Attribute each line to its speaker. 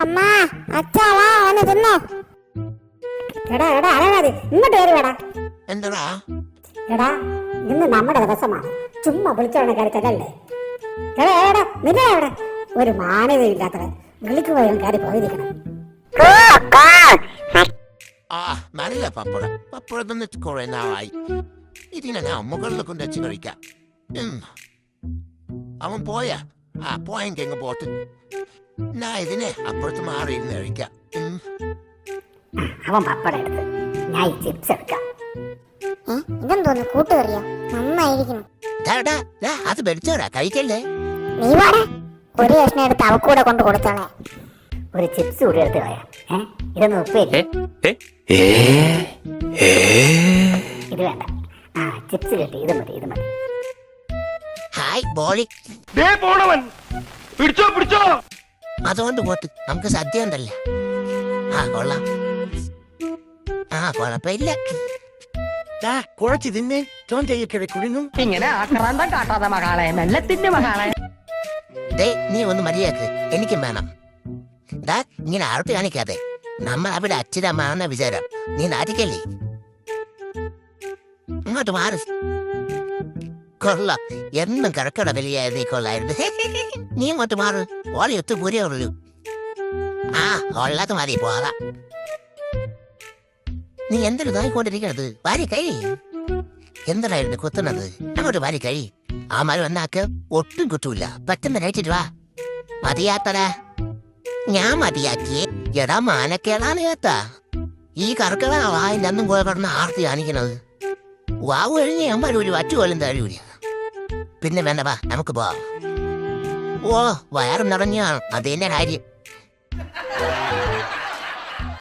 Speaker 1: അമ്മാ അച്ഛാ വാ വന്ന് തിന്നോ. എടാ എടാ അരവാതി ഇങ്ങോട്ട് കയറി വേടാ.
Speaker 2: എന്താ
Speaker 1: എടാ ഇന്ന് നമ്മുടെ ദിവസമാണ്, ചുമ്മാ വിളിച്ചോണ്ട് കയറി തരല്ലേ. എടാ എടാ നിന്നെ എവിടെ ഒരു മാന്യതയില്ലാത്തവൻ വിളിക്കുപോയും കയറി പോയിരിക്കണം.
Speaker 2: നല്ല പപ്പട പപ്പട തിന്നിട്ട് കുറെ നാളായി. ഇതിനെ ഞാൻ മുകളിൽ കൊണ്ട് വെച്ച് കഴിക്കാം. അവൻ പോയാ പോയെങ്കിൽ എങ്ങ് പോട്ട്. ഞാൻ ഇതിനെ അപ്പുറത്ത് മാറിയിരുന്ന് കഴിക്കാം.
Speaker 1: അവൻ പപ്പടം എടുത്ത് ഞാൻ ഈ ചിപ്സ് എടുക്കാം. ഇതെന്തോന്ന് കൂട്ടുകറിയാ, നന്നായിരിക്കുന്നു.
Speaker 2: അത് വെടിച്ചോടാ, കഴിക്കല്ലേ.
Speaker 1: നീ വാടാ, ഒരു കഷ്ണം എടുത്ത് അവക്കൂടെ കൊണ്ട് കൊടുത്തോളെ. ഒരു ചിപ്സ് കൂടി എടുത്ത് കളയാം. ഇതൊന്ന് ഉപ്പേരി. ഇത് വേണ്ട, ചിപ്സ് കിട്ടി, ഇത് മതി ഇത് മതി.
Speaker 2: ഹായ് ബോളി. അതുകൊണ്ട് പോട്ട് നമുക്ക് സദ്യ ഉണ്ടല്ലേ. കൊള്ളാം. കുഴപ്പമില്ല. കുറച്ച് തിന്നെ ചോൻ ചെയ്യിക്കുന്നു.
Speaker 3: ഇങ്ങനെ ആക്രാന്തം കാട്ടാതെ മകളെ, മെല്ലത്തിന്റെ മകളെ.
Speaker 2: നീ ഒന്ന് മര്യാദക്ക് എനിക്കും വേണം. ഇങ്ങനെ ആർട്ട് കാണിക്കാതെ. നമ്മൾ അവിടെ അച്ഛനമ്മാണെന്ന വിചാരം. നീ നാട്ടിക്കല്ലേ. ഇങ്ങോട്ട് മാറി. കൊള്ളാം, എന്നും കിടക്കട വലിയായിരുന്നു. നീ കൊള്ളായിരുന്നു. നീ ഇങ്ങോട്ട് മാറ്. ഓളി ഒത്തു പൂരേ ഉള്ളൂ. ഉള്ളത് മതി പോകാം. നീ എന്തൊരു നോയിക്കൊണ്ടിരിക്കണത്? വാരി കഴി. എന്തായിരുന്നു കുത്തുന്നത്? അങ്ങോട്ട് വാരി കഴി. ആ മരം എന്നാക്ക് ഒട്ടും കുറ്റൂല. പെട്ടെന്ന് കഴിച്ചിട്ട് വാ. മതിയാത്തടാ. ഞാൻ മതിയാക്കിയേ. എടാ മാനക്കേടാണ് കേട്ടാ. ഈ കറക്കട വായിന്റെ അന്നും പോയ കിടന്ന് ആർത്തി കാണിക്കണത്. വാവ് കഴിഞ്ഞ് ഞാൻ വരൂല, വറ്റുപോലും തരൂല. പിന്നെ വേണ്ട, വാ നമുക്ക് പോവാം. വയറും നിറഞ്ഞാണ്, അതെന്നെ കാര്യം.